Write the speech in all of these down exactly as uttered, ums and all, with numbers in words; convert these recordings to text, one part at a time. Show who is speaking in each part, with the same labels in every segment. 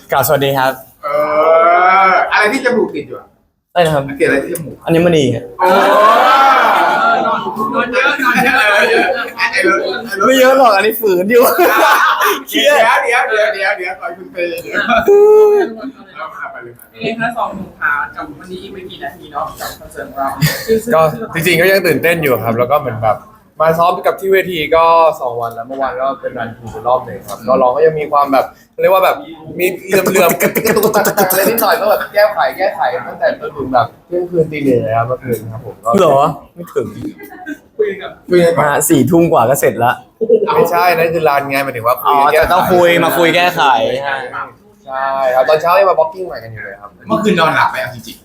Speaker 1: กล่าวสวัสดีครับ
Speaker 2: เอออะไรที่จมูกติดอยู่อะ
Speaker 1: อะไรนะครับ
Speaker 2: ติดอะไรที่จมูก
Speaker 1: อันนี้มณีครับ
Speaker 2: โอ้นอนนอนเยอะนอนเยอะเยอะ
Speaker 1: ไม่เยอะหรอกอันนี้ฝืนอยู่
Speaker 2: เดี๋ยวเดี๋ยวเดี๋ยวเดี๋ยวเดี๋ยวก่อนคุณเตยเดี๋ยวเราไปเลย
Speaker 3: เองนะสองหนุ่มขากับวันนี้อีกไม่กี่นาทีเนาะกับคอนเสิร์ตเรา
Speaker 4: ก็จริงๆก็ยังตื่นเต้นอยู่ครับแล้วก็เหมือนแบบมาซ้อมกับที่เวทีก็สองวันแล้วเมื่อวานก็เป็นรันทูเป็นรอบหนึ่งครับก็ร้องก็ยังมีความแบบเรียกว่าแบบมีเลื่อมเลื่อมกระตุกกระตุกกระตุกอะไรนิดหน่อยก็แบบแก้ไขแก้ไขตั้งแต่จนถึงแบบเที่ยงคืนตีหนึ่งเลยครับเมื่อคืนครับผมก็
Speaker 1: เหรอไม่ถึง
Speaker 3: คุยกับ
Speaker 4: คุยกัน
Speaker 1: มาสี่ทุ่มกว่าก็เสร็จแล้ว
Speaker 4: ไม่ใช่นั่นคือรันไงหมายถึงว่าคุ
Speaker 1: ยแก้ต้องคุยมาคุยแก้ไข
Speaker 4: ใช่ครับตอนเช้ายังมาบล็อกกิ้งใหม่กันอยู่เลยครับ
Speaker 2: เมื่อคืนนอนหลับไหมจริง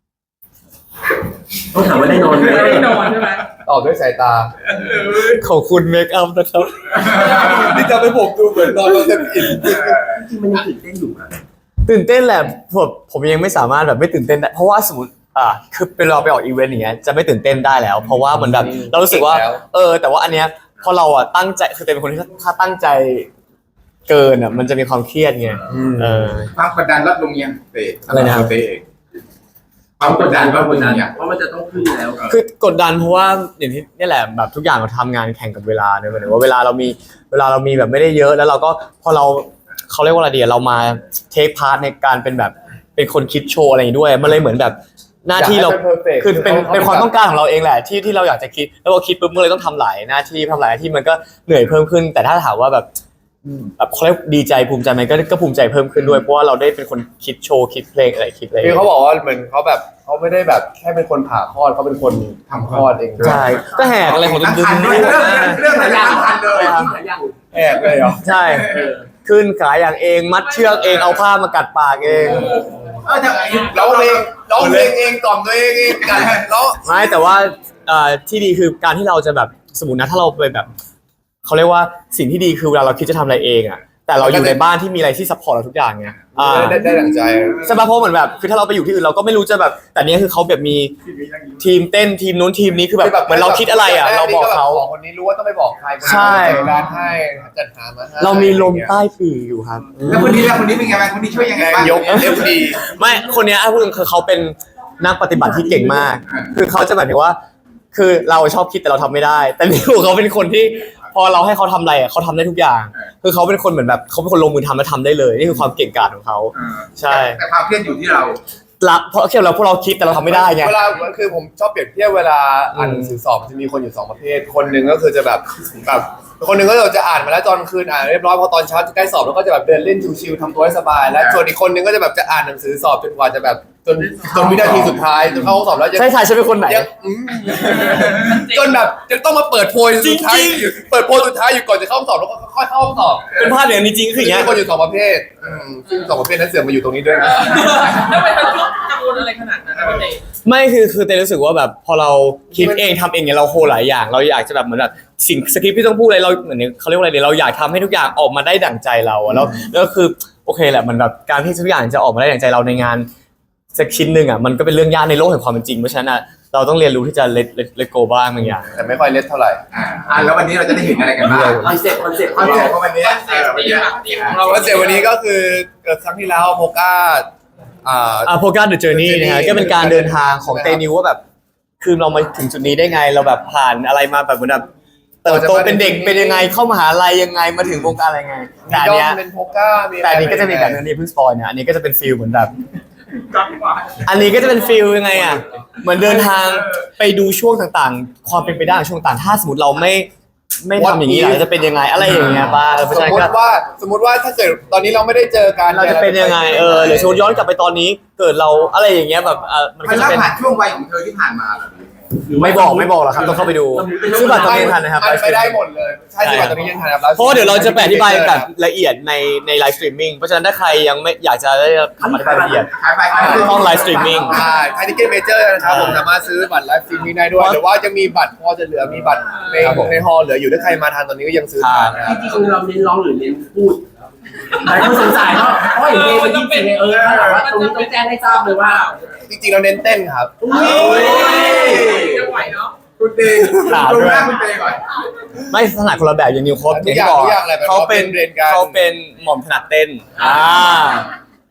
Speaker 5: ต้องถามว่าได้นอนไหม
Speaker 3: ได้นอนใช่ไหม
Speaker 4: ตอบด้วยสายตา
Speaker 1: ขอบคุณเมคอัพนะครับ
Speaker 4: นี่จะไปผมดูเหมือนนอนแล้วเต็มอิ่ม
Speaker 5: จริงมันยังตื่นเต้นอยู่นะ
Speaker 1: ตื่นเต้นแหละผมผมยังไม่สามารถแบบไม่ตื่นเต้นได้เพราะว่าสมมติอ่าคือเป็นเราไปออกอีเวนต์อย่างเงี้ยจะไม่ตื่นเต้นได้แล้วเพราะว่ามันแบบเรารู้สึกว่าเออแต่ว่าอันเนี้ยพอเราอ่ะตั้งใจคือเป็นคนที่ถ้าตั้งใจเกินอ่ะมันจะมีความเครียดไงเออ
Speaker 2: ความกดดันลดลงยังเตะ
Speaker 1: อะไรนะ
Speaker 2: เตะความกดดันลดลงยัง
Speaker 5: เพราะมันจะต้องขึ้นแล้ว
Speaker 1: คือกดดันเพราะว่าอย่างที่นี่แหละแบบทุกอย่างเราทำงานแข่งกับเวลาเนี่ยหมายถึงว่าเวลาเรามีเวลาเรามีแบบไม่ได้เยอะแล้วเราก็พอเราเขาเรียกว่าอะไรดีเรามาเทคพาร์ทในการเป็นแบบเป็นคนคิดโชว์อะไรด้วยมันเลยเหมือนแบบหน้าที่เราคือเป็นเป็นความต้องการของเราเองแหละที่ที่เราอยากจะคิดแล้วพอคิดปุ๊บมันเลยต้องทำหลายหน้าที่ทำหลายหน้าที่มันก็เหนื่อยเพิ่มขึ้นแต่ถ้าถามว่าแบบแบบเขาเรียกดีใจภูมิใจไหมก็ก็ภูมิใจเพิ่มขึ้นด้วยเพราะว่าเราได้เป็นคนคิดโชว์คิดเพลงอะไรคิดอะไร
Speaker 4: คือเขาบอกว่าเหมือนเขาแบบเขาไม่ได้แบบแค่เป็นคนผ่าคลอดเขาเป็นคนทำคลอดเอง
Speaker 1: ใช่ก็แหกอะไรของตุ้มตุ้ม
Speaker 2: เรื่องเรื่องหลายอย่างทันเลย
Speaker 4: แหกเลยเหรอ
Speaker 1: ใช่ขึ้นขาอย่างเองมัดเชือกเองเอาผ้ามากัดปากเอง
Speaker 2: เออร้องเพลงร้องเพลงเองกล่อมตัวเองเองกันแล้ว
Speaker 1: ไม่แต่ว่าที่ดีคือการที่เราจะแบบสมมตินะถ้าเราไปแบบเขาเรียกว่าสิ่งที่ดีคือเวลาเราคิดจะทำอะไรเองอ่ะแต่เราอยู่ในบ้านที่มีอะไรที่ซัพพอร์ตเราทุกอย่างไง
Speaker 4: ได้ได้ดั่งใจ
Speaker 1: ใช่ป่ะเพราะเหมือนแบบคือถ้าเราไปอยู่ที่อื่นเราก็ไม่รู้จะแบบแต่เนี้ยคือเขาแบบมีทีมเต้นทีมนู้นทีมนี้คือแบบเหมือนเราคิดอะไรอ่ะเราบอกเขา
Speaker 4: คนนี้รู้ว่าต้องไปบอกใคร
Speaker 1: ใช่
Speaker 4: การให้จัดหามาให้
Speaker 1: เรามีลมใต้ปีกอยู่ครับ
Speaker 2: แล้วคนนี้แล้วคนนี้เป็นไงบ้างคนนี้ช่วยยังไงบ้าง
Speaker 4: ยกเอฟดี
Speaker 1: ไม่คนนี้พูดถึงคือเขาเป็นนักปฏิบัติที่เก่งมากคือเขาจะแบบว่าคือเราชอบคิดแต่เราทำไม่ได้แต่นี่เขาเป็นคนที่พอเราให้เขาทำอะไรอ่ะเขาทำได้ทุกอย่างคือเขาเป็นคนเหมือนแบบเขาเป็นคนลงมือทำแล้วทำได้เลยนี่คือความเก่งกาจของเขาใช่
Speaker 2: แต่ความเครียดอยู่ที่เรา
Speaker 1: ละเพราะเคียเราพวกเราคิดแต่เราทำไม่ได้ไง
Speaker 4: เวลาคือผมชอบเปรียบเทียบเวลาอ่านหนังสือสอบจะมีคนอยู่สองประเภทคนหนึ่งก็คือจะแบบแบบคนหนึ่งก็จะอ่านมาแล้วตอนคืนอ่านเรียบร้อยพอตอนเช้าจะใกล้สอบแล้วก็จะแบบเดินเล่นชิวๆทำตัวให้สบายและส่วนอีกคนหนึ่งก็จะแบบจะอ่านหนังสือสอบจนกว่าจะแบบจนจนวินาทีสุดท้ายจนเข้าห้องสอบแล้ว
Speaker 1: ใช่ใช่ฉันเป็นคนไหน
Speaker 4: จนแบบจะต้องมาเปิดโพยสุดท้ายเปิดโพยสุดท้ายอยู่ก่อนจะเข้าห้องสอบแล้วก็ค่อยเข้าห้องสอบ
Speaker 1: เป็นภาพอย่างนี้จริงคืออย่างเงี้ย
Speaker 4: คนอยู่สองประเภทซึ่งสองประเภทนั้นเสื่อมมาอยู่ตรงนี้ด้วย
Speaker 3: แล้วไปกังวลอะไรขนาดนั้นนะพี่
Speaker 1: ไม่คือคือเต้รู้สึกว่าแบบพอเราคิดเองทำเองเนี่ยเราโหหลายอย่างเราอยากจะแบบเหมือนแบบสิ่งสคริปต์ที่ต้องพูดอะไรเราเหมือนเขาเรียกว่าอะไรเนี่ยเราอยากทำให้ทุกอย่างออกมาได้ดั่งใจเราแล้วแล้วคือโอเคแหละมันแบบการที่ทุกอย่างจะออกมาได้ดั่งใจเราในงานสักชิ้นหนึ่งอ่ะมันก็เป็นเรื่องยากในโลกแห่งความเป็นจริงเพราะฉะนั้นอ่ะเราต้องเรียนรู้ที่จะเลทเลทโกบ้างบางอย่าง
Speaker 4: แต่ไม่ค่อยเลทเท่าไหร่
Speaker 2: อ่าแล้ววันนี้เราจะได้เห็นอะไรกันบ้าง
Speaker 5: คอนเซ็ปต์คอนเซ็ปต์
Speaker 2: คอนเซ็ปต์ของวันนี้
Speaker 3: วันนี้
Speaker 4: ของเราคอนเซ็ปต์วันนี้ก็คือครั้งที่แล้วโพก้า
Speaker 1: อ่าอ่าโพก้าเดอะเจอร์นี่นะฮะก็เป็นการเดินทางของเตนิวว่าแบบคือเรามาถึงจุดนี้ได้ไงเราแบบผ่านอะไรมาแบบเหมือนแบบเติบโตเป็นเด็กเป็นยังไงเข้ามหาลัยยังไงมาถึงวงการอะไรไงแต่อันเนี้ย
Speaker 4: เป็นโพก้า
Speaker 1: แต่อันนี้ก็จะมีแบบนี้เพิ่งสปอยเนี่ยอันนี้ก็จะเป็นฟีลเหมือนแบบอันนี้ก็จะเป็นฟีลยังไงอ่ะเหมือนเดินทางไปดูช่วงต่างๆความเป็นไปได้ของช่วงต่างถ้าสมมติเราไม่ไม่ทำอย่างนี้ล่ะจะเป็นยังไงอะไรอย่างเงี้ยป่ะ
Speaker 4: สมมติว่าสมมติว่าถ้าเกิดตอนนี้เราไม่ได้เจอกัน
Speaker 1: เราจะเป็นยังไงเออหรือชวนย้อนกลับไปตอนนี้เกิดเราอะไรอย่างเงี้ยแบบ
Speaker 2: มันก็จะเป็นผ่านช่วงวัยของเธอที่ผ่านมา
Speaker 1: ไม่บอกไม่บอกหรอกครับต้องเข้าไปดูซื้อบัตรตอนนี้ทันนะครับ
Speaker 4: ไปได้หมดเลยใช่ซื้อบัตรตอนนี้ยังทันครับ
Speaker 1: เพราะเดี๋ยวเราจะแปะอธิบายแบบละเอียดในในไลฟ์สตรีมมิ่งเพราะฉะนั้นถ้าใครยังไม่อยากจะได้คำอธิบายละเอียดห้องไลฟ์สตรีมมิ่ง
Speaker 4: ใช่ไทยทิเก็ตเมเจอร์นะครับผมสามารถซื้อบัตรไลฟ์สตรีมมิ่งได้ด้วยหรือว่าจะมีบัตรพอจะเหลือมีบัตรในในฮอลล์เหลืออยู่ถ้าใครมาทันตอนนี้ก็ยังซื้อทัน
Speaker 5: จริงๆเราเน้นร้องหรือเน้นพูดหลายคนสงสัยเนาะเพราะอย่างเพลงมันยิ่งเป็นเออถ้าแบบว่าตรงนี้ต้องแจ้งให้ทราบเลยว่า
Speaker 4: จริงๆเราเน้นเต้นครับ
Speaker 3: จะไหวเนาะ
Speaker 2: คุณเตยดูหน้าคุณเตยก่อน
Speaker 1: ไม่ถนัดคนละแบบอย่างนิวโค้ด
Speaker 4: อย่างที่บอก
Speaker 1: เขาเป็นเขาเป็นหม่อมถนัดเต้นอ่า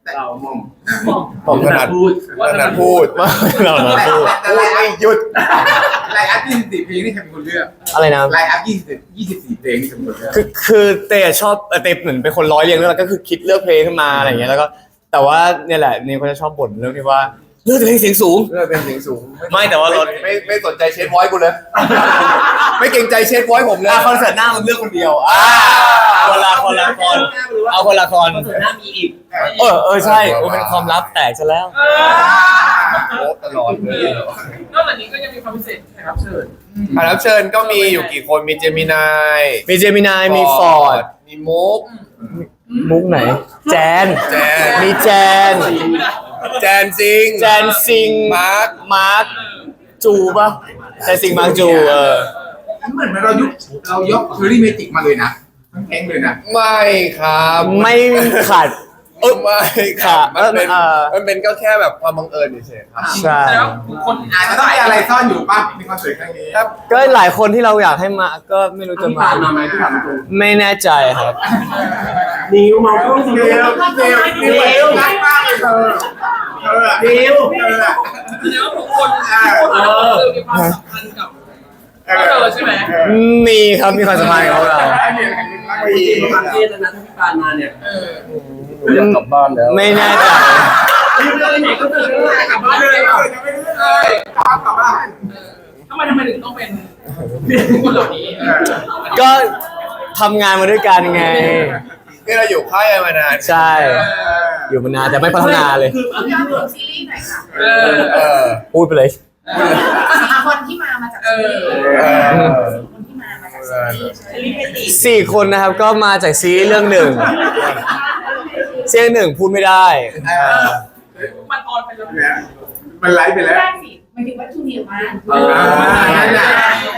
Speaker 4: ผมถนัด
Speaker 5: พูด
Speaker 4: ถนัดพูด
Speaker 1: เราเราพูด
Speaker 2: แต่ไลน์อัพหยุดไลน์อัพยี่สิบสี่เพลงนี่ใครเป็นคนเลือก
Speaker 1: อะไรนะ
Speaker 2: ไลน์อัพยี่สิบยี่สิบสี่เพลงนี่ใครเป็นคนเลือก
Speaker 1: คือคือเตยชอบเอ่อเตยเหมือนเป็นคนร้อยเรียงเรื่องแล้วก็คือคิดเลือกเพลงขึ้นมาอะไรอย่างเงี้ยแล้วก็แต่ว่าเนี่ยแหละนี่เขาจะชอบบ่นเรื่องที่ว่าเลือกแต่เพลงเสียงสูง
Speaker 4: เลือกเป็นเสียงสูง
Speaker 1: ไม่แต่ว่าเรา
Speaker 4: ไม่ไม่ไม่สนใจเชฟไวท์กูเลย ไม่เกรงใจเชฟไวท์ผมเลย
Speaker 1: อ่ะคอนเสิร์ตหน้ามันเลือกคนเดียวอ่าคนละคนละคนเอาคนละคน
Speaker 5: คอนเสิร์ตหน้ามีอีก
Speaker 1: เออเออใช่โอ้เป็นความลับแตกซะแล้ว
Speaker 4: โอ้ตลอดเลย
Speaker 3: นอกจากนี้ก็ยังมีความพิเศษแขกรับเชิญ
Speaker 4: อ่ารับเชิญก็มีอยู่กี่คนมีเจมินาย
Speaker 1: มีเจมินายมีฟอร์ด
Speaker 4: มีมุก
Speaker 1: มุกไหน แจน
Speaker 4: แจน
Speaker 1: มีแจน
Speaker 4: แจนซิง
Speaker 1: แจนซิง
Speaker 4: มาร์ค
Speaker 1: มาร์คจูปะแจนซิงมาร์คจูเออ
Speaker 2: เหมือนเรายุคเรายกเชอรี่เมจิกมาเลยนะทั้งเพลงเลยนะ
Speaker 4: ไม่ครับ
Speaker 1: ไม่ขาด
Speaker 4: เออไม่ครับ
Speaker 1: ค่ะ
Speaker 4: มันเป็น
Speaker 1: เออ
Speaker 4: มันเป็นก็แค่แบบความบังเอิญเฉยๆครับ
Speaker 1: ใช่
Speaker 3: แล้วคน
Speaker 2: อาจจะต้องมีอะไรซ่อนอยู่ป่ะในคอนเสิร์ตครั้งนี้
Speaker 4: ครับ
Speaker 1: ก็หลายคนที่เราอยากให้มาก็ไม่รู้จะ
Speaker 5: พี่
Speaker 1: มา
Speaker 5: ปานมาไหมพี่ปานมาตรง
Speaker 1: ไม่แน่ใจครับ
Speaker 5: นิ้วมองกล้องสิ
Speaker 2: เด
Speaker 5: นิ้ว
Speaker 2: วเดวเดวรักมากเลยเธอเธออะ
Speaker 5: นิ้ว
Speaker 2: เธออะ
Speaker 3: แสดงว่าทุกคนทุกคนเออมีความสัมพันธ์กับเธอใช่ไหม
Speaker 1: มีครับมีความสัมพันธ์กับเรา
Speaker 5: จริงๆประมาณเทศนะถ้าพี่ปานมาเนี่ย
Speaker 3: เออ
Speaker 4: อยากกลับบ้านแล้ว
Speaker 1: ไม่แน่ใจ
Speaker 5: นิ้วเดินไหนก็เดินได้
Speaker 3: กลับบ้านเลย
Speaker 2: ยังไม่รู้เลยตามกลับบ้าน
Speaker 3: ทำไมทำไมถึงต้องเป็นคนเหล่านี้
Speaker 1: ก็ทำงานมาด้วยกันไง
Speaker 4: นี่เราอยู่ค่ายกันมานาน
Speaker 1: ใช่ อยู่มานานแต่ไม่พัฒนาเลย
Speaker 5: คือเอาที่เลือก
Speaker 6: ซีรีส์หน่อยค่ะ
Speaker 3: เออ
Speaker 4: เออ
Speaker 1: พูดไปเลย
Speaker 6: คนที่มามาจาก
Speaker 3: เอ
Speaker 6: ซี
Speaker 3: อ
Speaker 6: รีส์คนที่มามาจากซีรีส์ซีรีส์เมจิก
Speaker 1: สี่คนนะครับก็มาจากซีรีส์เรื่องหนึ่งเสียงหนึ่งพูดไม่ได้
Speaker 3: มันออนไปแล้ว
Speaker 2: เนี่ยมันไลฟ์ไปแล้ว
Speaker 6: ได้สิหมายถึงว่าทูเดียวมา
Speaker 5: เออ
Speaker 2: นั่นแหละ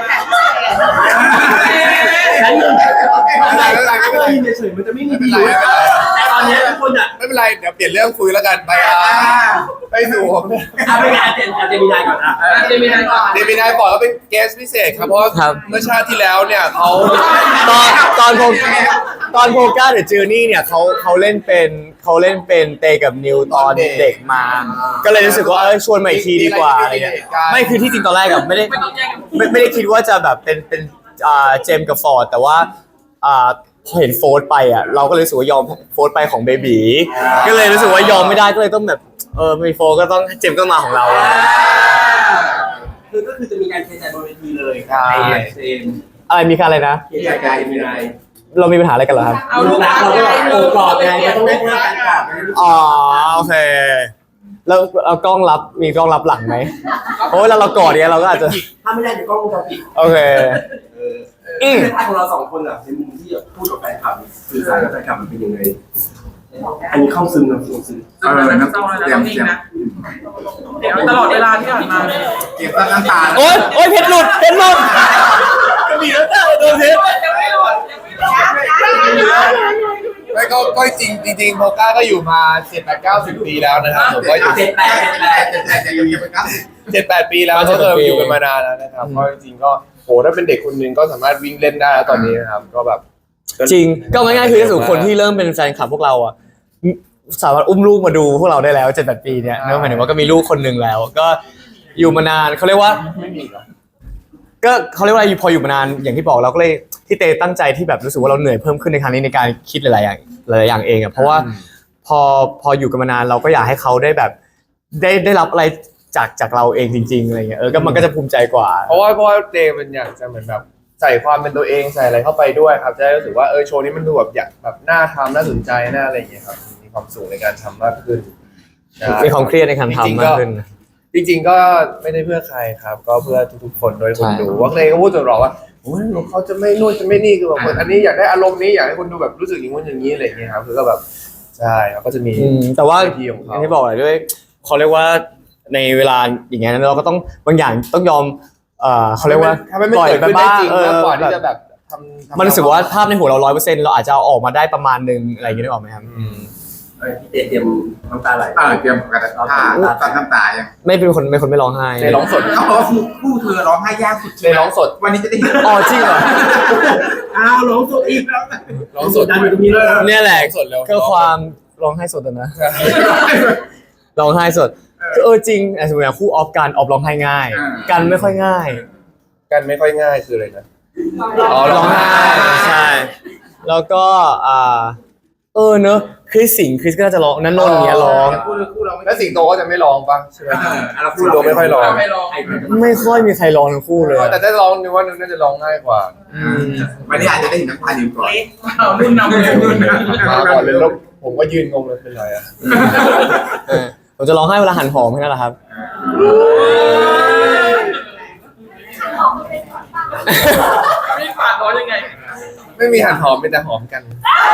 Speaker 5: ชั้นหนึ่งอะไรอะไรก็ได้ยินเฉยๆมันจะไม่มีดีเลยแต่ตอนนี้ทุกคนอ่ะ
Speaker 4: ไม่เป็นไร เดี๋ยวเปลี่ยนเรื่องคุยแล้วกันไปอ่ะไปสู่ผมเนี่ย
Speaker 5: เอาไปงานเจนอาจจะมีนายก่อนอ่ะ
Speaker 3: เดมินายก่อน
Speaker 4: เดมินายบอกว่าเป็นเกสพิเศษครับ เพราะว่า
Speaker 1: ครับ
Speaker 4: เมื่อชาติที่แล้วเนี่ยเขา
Speaker 1: ตอนตอนโพตอนโพก้าเดอะเจอร์นี่เนี่ยเขาเขาเล่นเป็นเขาเล่นเป็นเตกับนิวตอนเด็กมา ก็เลยรู้สึกว่าเออชวนมาอีกทีดีกว่าอะไรเงี้ยไม่คือที่จริงตอนแรกกับไม่ได้
Speaker 3: ไม่ต้องแย่งกัน
Speaker 1: ไม่ไม่ได้คิดว่าจะแบบเป็นเป็นอ่าเจมส์กับฟอร์ดแต่ว่าอ่าพอเห็นโฟร์ไปอ่ะเราก็เลยรู้สึกว่ายอมโฟร์ไปของเบบีก็เลยรู้สึกว่ายอมไม่ได้ก็เลยต้องแบบเออมีโฟร์ก็ต้องเจมส์ก็มาของเรา
Speaker 5: คือก็คือจะมีการเทใจบนเวทีเลย
Speaker 4: ใช่
Speaker 5: เซม
Speaker 1: อะไรมีการอะไรนะ
Speaker 5: เทใจใจมีนาย
Speaker 1: เรามีปัญหาอะไรกันเหรอครับ
Speaker 3: เอาลูก
Speaker 5: รักเราก็โอบกอดไงก็ต้องได้หน้ากันกอด
Speaker 1: อ๋อโอเคแล้วเอากล้องรับมีกล้องรับหลังไหมโอ้ยแล้วเรากอดเนี่ยเราก็อาจจะ
Speaker 5: ถ้าไม่ได้เดี๋ยวกล้องวงจรปิด
Speaker 1: โอเคอืม
Speaker 5: ในภาพของเราสองคนอ่ะในมุมที่พูดกับแฟนคลับสื่อสารกับแฟนคลับมันเป็นยังไงอันนี้เข้าซึมนะซึมซึม
Speaker 3: เออน้ำเศร้าแล้วต้องนิ่งนะเดี๋ยวตลอดเวลาที่ผ่านมาเลย
Speaker 2: เก็บน้ำตา
Speaker 1: โอ๊ยโอ๊ยเพชรหลุดเพชรหลุดกระบี่แล้วจ้าโดนเพชร
Speaker 3: ยังไม่หลุดยังไม่หลุด
Speaker 4: ไม่ก็ก็จริงจริงๆโพก้าก็อยู่มาเจ็ดแปดเก้าสิบปีแล้วนะครับผมก็อยู่
Speaker 5: เจ็ดแปดเจ็ดแปด
Speaker 2: แต่แต่แต่ยังยังเป็นก้าสิบ
Speaker 4: เจ็ดแปดปีแล้วก็เอออยู่กันมานานแล้วนะครับก็จริงๆก็โหถ้าเป็นเด็กคนหนึงก็สามารถวิ่งเล่นได้แล้วตอนนี้นะครับก็แบบ
Speaker 1: จริงก็ง่ายๆคือถ้าสมมติคนที่เริ่มเป็นแฟนคลับพวกเราอ่ะสามารถอุ้มลูกมาดูพวกเราได้แล้วเจ็ดแปดปีเนี่ยนั่นหมายถึงว่าก็มีลูกคนหนึ่งแล้ว ก็อยู่มานานเขาเรียกว่า
Speaker 4: ไม่มีหรอก
Speaker 1: ก็เขาเรียกว่าพออยู่มานานอย่างที่บอกเราก็เลยที่เตตั้งใจที่แบบรู้สึกว่าเราเหนื่อยเพิ่มขึ้นในครั้งนี้ในการคิดหลายๆอย่างหลายๆอย่างเองอ่ะเพราะว่าพอพออยู่กันมานานเราก็อยากให้เขาได้แบบได้ได้รับอะไรจากจากเราเองจริงๆอะไรเงี้ยเออก็มันก็จะภูมิใจกว่า
Speaker 4: เพราะว่าเพราะว่าเจมันอยากจะเหมือนแบบใส่ความเป็นตัวเองใส่อะไรเข้าไปด้วยครับจะได้รู้สึกว่าเออโชว์นี้มันดูแบบอยากแบบน่าทำน่าสนใจน่าอะไรอย่างเงี้ยครับมีความสุขในการทำมากขึ้นใช่
Speaker 1: มีความเครียดในการทำมากขึ้น
Speaker 4: จริงๆก็ไม่ได้เพื่อใครครับ ก็เพื่อทุกๆคนโดยคน
Speaker 1: ใช่
Speaker 4: ดูว่าเลยก็พูดตลอดว่าโอ้ยเขาจะไม่นู่นจะไม่นี่คือแบบคนอันนี้อยากได้อารมณ์นี้อยากให้คนดูแบบรู้สึกอย่างงู้นอย่างนี้อะไรอย่างเงี้ยครับคือก็แบบใช่เขาก็จะมี
Speaker 1: อืมแต่ว่า
Speaker 4: วิธีของ
Speaker 1: อ
Speaker 4: เขา
Speaker 1: ย่างที่บอกเลยด้วยเขาเรียกว่าในเวลาอย่างเงี้ยเราก็ต้องบางอย่างต้องยอมเอ่อเขาเรียกว่า
Speaker 4: ทำให้มัน
Speaker 1: ปล่อย
Speaker 4: เกิด
Speaker 1: ไป
Speaker 4: ขึ้นได้
Speaker 1: บ้าง
Speaker 4: จริง
Speaker 1: เออ
Speaker 4: มากกว่าที่
Speaker 1: แบ
Speaker 4: จะ
Speaker 1: บ
Speaker 4: แบบทำทำ
Speaker 1: มันรู้สึกว่าภาพในหัวเราร้อยเปอร์เซ็นต์เราอาจจะเอาออกมาได้ประมาณนึงอะไรอย่างเงี้ยได้ออกไหมครับ
Speaker 4: อืม
Speaker 5: เออพี่เตเตรียมน้ำตาไหล
Speaker 2: เออเตรียมกระดาษผ้าตัดน้ำตายัง
Speaker 1: ไม่เป็นคนเป็นคนไม่ร้องไห้
Speaker 4: ในร้องสด
Speaker 2: เขาบอกว่าคู่เธอร้องไห้ยากสุด
Speaker 4: ในร้องสด
Speaker 2: วันนี้จะได้เห็น
Speaker 1: อ๋อจริงเหรอ
Speaker 5: อ้าวร้องสดอีก
Speaker 4: ร้องสด
Speaker 5: ดันอยู่ตรงนี้เลย
Speaker 1: เนี่ยแหละ
Speaker 4: สดเร็ว
Speaker 1: ก็ความร้องไห้สดอะนะร้องไห้สดคือเออจริงไอ้สมมติอย่างคู่ออฟกันออฟร้องไห้ง่าย กันไม่ค่อยง่าย
Speaker 4: กันไม่ค่อยง่ายคืออะไรนะ
Speaker 1: อ๋อร้องไห้ใช่แล้วก็อ่าเออเนอะคริสสิงห์คริสก็น่าจะร้องนั้นนนท์อย่างเงี้ยร้อง
Speaker 2: คู่คู่เรา
Speaker 4: แล้วสิงโตก็จะไม่ร้องปะใช่ไหม
Speaker 2: เรา
Speaker 4: สิงโตไม่ค่อยร้อง
Speaker 3: ไม่ลอง
Speaker 1: ไม่ค่อยมีใครร้องทั้งคู่เลย
Speaker 4: แต่ถ้าร้องนึกว่านึกน่าจะร้องง่ายกว่า
Speaker 2: วันนี้อาจจะได้เห็นน้ำตาอยู่ก่อน
Speaker 3: เอารุ่นนำเลยรุ่นนำ
Speaker 4: มาก่อนเลยแล้วผมก็ยืนงงเลยเป็นไรอะ
Speaker 1: เออผมจะร้องไห้เวลาหันหอมแค่นั้นแหละครับ
Speaker 3: พี่ฝากร้องยังไง
Speaker 4: ไม่มีหันหอมเป็นแต่หอมกัน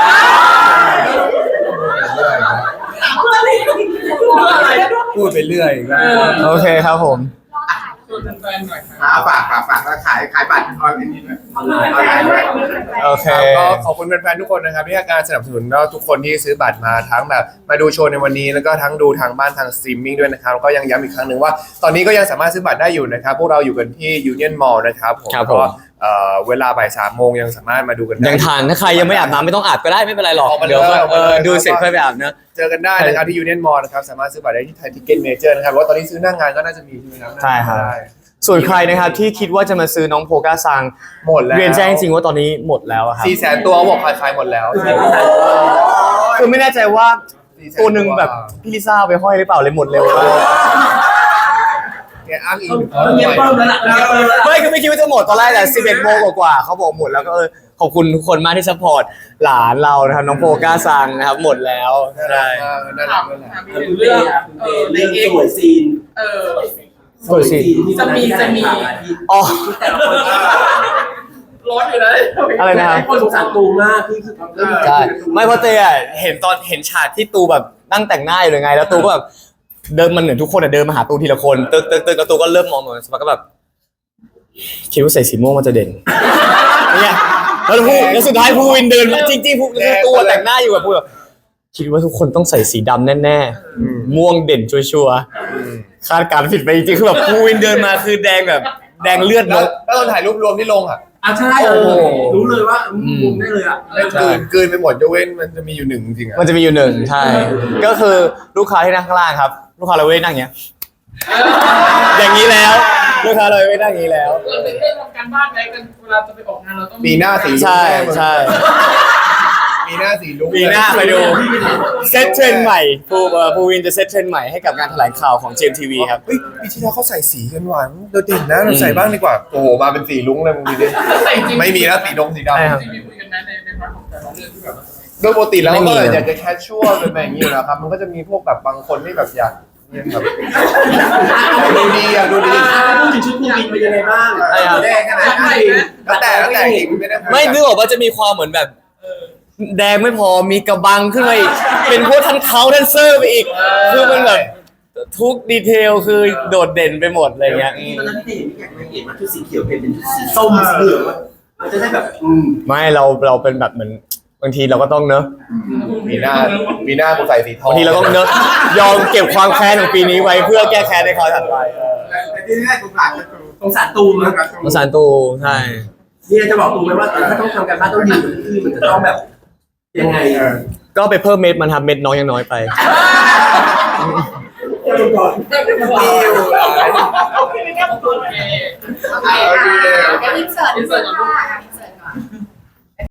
Speaker 4: พูดไปเรื่อยอีกแล้ว
Speaker 1: โอเคครับผม
Speaker 3: ชวนแฟนๆหน่อยครับ
Speaker 2: อ่าฝากฝากฝากแล้วขายขายบัตรออนไลน์นี้ด้วยออนไลน์ด้วย
Speaker 1: โอเค
Speaker 4: ก็ขอบคุณแฟนๆทุกคนนะครับที่ให้การสนับสนุนแล้วทุกคนที่ซื้อบัตรมาทั้งแบบมาดูโชว์ในวันนี้แล้วก็ทั้งดูทางบ้านทางสตรีมมิ่งด้วยนะครับแล้วก็ยังย้ำอีกครั้งหนึ่งว่า ตอนนี้ก็ยังสามารถซื้อบัตรได้อยู่นะครับพวกเราอยู่กันที่ Union Mall นะครับผม
Speaker 1: ครับผม
Speaker 4: ก็เอ่อเวลาบ่ายสามโมงยังสามารถมาดูกันได้
Speaker 1: ยังทานถ้าใครยังไม่อาบน้ำไม่ต้องอาบก็ได้ไม่เป็นไรหรอก
Speaker 4: ออกมาเลย
Speaker 1: เดี๋ยวก็
Speaker 4: ออก
Speaker 1: เอ
Speaker 4: มาเลย
Speaker 1: อดูเสร็จค่อยไปอาบนะ
Speaker 4: เจอกันได้นะครับที่ Union Mall นะครับสามารถซื้อบัตรได้ที่ไทยทิกเก็ตเมเจอร์นะครับว่าตอนนี้ซื้อหน้างานก็น่าจะมีใช่ไหมครับ
Speaker 1: ใช่ครับ
Speaker 4: ได้
Speaker 1: ส่วนใครนะครับที่คิดว่าจะมาซื้อน้องโพก้าซัง
Speaker 4: หมดแล้ว
Speaker 1: เรียนแจ้งจริงว่าตอนนี้หมดแล้วอะครับ
Speaker 4: สี่แสนตัวเขาบอกขายๆหมดแล้ว
Speaker 1: คือไม่แน่ใจว่าตัวหนึ่งแบบพี่ลิซ่าเอาไปห้อยหรือเปล่าเลยหมดเร็วมาก
Speaker 4: แกอ้างอิง
Speaker 5: เงียบเปิ้ลแล้วล่ะเงียบเปิ้ลแล้ว
Speaker 1: ไม่คือไม่คิดว่าจะหมดตอนแรกแต่สิบเอ็ดโมงกว่าๆเขาบอกหมดแล้วก็เออขอบคุณทุกคนมากที่ซัพพอร์ตหลานเรานะครับน้องโพก้าซังนะครับหมดแล้ว
Speaker 4: น่า
Speaker 1: ใช่
Speaker 4: รักมากน่ารักนั่นแหละ
Speaker 3: ถาม
Speaker 5: เรื่
Speaker 3: เรื่อง
Speaker 5: เอ
Speaker 3: เอ
Speaker 5: อ
Speaker 3: อใน
Speaker 5: เรื่อง
Speaker 3: เอ็ก
Speaker 5: สวยซีน
Speaker 3: เออ
Speaker 1: สวยสิ
Speaker 3: จะมีจะมี
Speaker 1: อ๋อ
Speaker 3: ร้อนอยู่นะ
Speaker 1: อะไรนะครับ
Speaker 5: คนสงสารตูมากพี่คือ
Speaker 1: ใช่ไม่เพราะเตยอะเห็นตอนเห็นฉากที่ตูแบบนั่งแต่งหน้าอยู่เลยไง แล้วตูก็แบบเดินมันเหมือนทุกคนอะเดินมาหาตูทีละคนตึกตึกตึกแล้วตูก็เริ่มมองเหมือนสมัยก็แบบคิดว่าใส่สีม่วงมันจะเด่นเนี่ยแล้วพูแล้วสุดท้ายภูวินเดินมาจริงๆภูคือตูอะแต่งหน้าอยู่แบบพูแบบคิดว่าทุกคนต้องใส่สีดำแน่ๆม่วงเด่นชัวร์ๆคาดการณ์ผิดไปจริงๆคือแบบภูวินเดินมาคือแดงแบบแดงเลือดน
Speaker 4: แล้ว
Speaker 1: ก
Speaker 4: แล้วตอนถ่ายรูปรวมที่ลงอ่ะ
Speaker 5: อ่ะใช่เออรู้เลยว่ามุมได้เลยอ่ะ
Speaker 4: แม่งกลืนกลืนไปหมดยกเว้นมันจะมีอยู่หนึ่งจริงๆอ่ะ
Speaker 1: มันจะมีอยู่หนึ่งใช่ ก็คือลูกค้าที่นั่งข้างล่างครับ ลูกค้าเราไม่ได้นั่งอย่างเงี้ย อย่างนี้แล้ว ลูกค้าเราไม่ได้นั่งอย่างนี้แล้ว
Speaker 3: เราไม่ได้ทำการบ้านไหมกันเวลาจะไปออกงานเราต้อง
Speaker 4: ปีหน้าสีลุ้ง
Speaker 1: ใช่
Speaker 4: แน่มึง
Speaker 1: ใช่
Speaker 4: ปีหน้าสีลุ้ง
Speaker 1: ปีหน้าไปดูเซตเทรนด์ใหม่ภูเอ่อภูวินจะเซตเทรนด์ใหม่ให้กับงานแถลงข่าวของ เจ เอ็ม ที วี ครับ
Speaker 4: เฮ้ยปีที่แล้วเขาใส่สีกันหวานโดดเด่นนะเราใส่บ้างดีกว่าโอ้โหมาเป็นสีลุ้งเลยมึงดูดิ
Speaker 3: แต่จริง
Speaker 4: ไม่มีแล้วสีดงสีด
Speaker 1: ใช่ครับ
Speaker 3: จริงมีคุยกันนะในในพาร์ทของแต่ละเรื่องที่แบบว่า
Speaker 4: ำโดยปกติแล้ว
Speaker 1: ไม่
Speaker 4: ก็
Speaker 1: มี
Speaker 4: อยากจะแคชชวลเป็นแบบนี้อยู่แล้วครับมันก็จะมีพวกแบบบางคนที่แบบอยากเรียนแบบดูดีอ่ะดูดี
Speaker 5: พูดถึงชุดภูวินเป็นยังไงบ้าง
Speaker 1: ใช่ครับ
Speaker 2: แดงขนาด
Speaker 3: ให
Speaker 2: นั้
Speaker 3: ม่
Speaker 2: น
Speaker 3: นะ
Speaker 4: แล้วแต่แล้วแต่เองไม่ได้คุย
Speaker 1: ไม่นึกออกว่าจะมีความเหมือนแบบ แดงไม่พอมีกระบังขึ้นมาอีกเป็นพวกทันเขาทันเซอร์ไปอีก คือมันแบบทุกดีเทลคือโดดเด่นไปหมดอะไรเงี้ยอืม
Speaker 5: ตอนนั้นพี่เห็นพี่อยากเห็นมันชุดสีเขียวเปลี่ยนเป็นชุดสีส้มสีเหลืองมันจะได้แบบอืม
Speaker 1: ไม่เราเราเป็นแบบเหมือนบางทีเราก็ต้องเนอะ
Speaker 4: ปีหน้าปีหน้ากูใส่สีทอง
Speaker 1: บางทีเราต้องเนอะยอมเก็บความแค้นของปีนี้ไว้เพื่อแก้แค้นในคราวถัดไป
Speaker 2: แต่ที่แรกกูผ่านก็คือ
Speaker 5: สงสารตูมนะ
Speaker 1: ภาษาตูใช่
Speaker 5: นี่จะบอกตูมไหมว่าถ้าต้องทำการบ้านต้องดีกว่าที่มันจะต้องแบบยังไง
Speaker 1: ก็ไปเพิ่มเม็ดมันทำเม็ดน้อยยังน้อยไป
Speaker 5: ตูมก่อน
Speaker 2: ดีอยู่หลาย
Speaker 3: โอเค
Speaker 6: โอเคค่ะเดี๋ยวอินเสิร์ตอินเสิร์ตก่อนอินเสิร์ตก่อน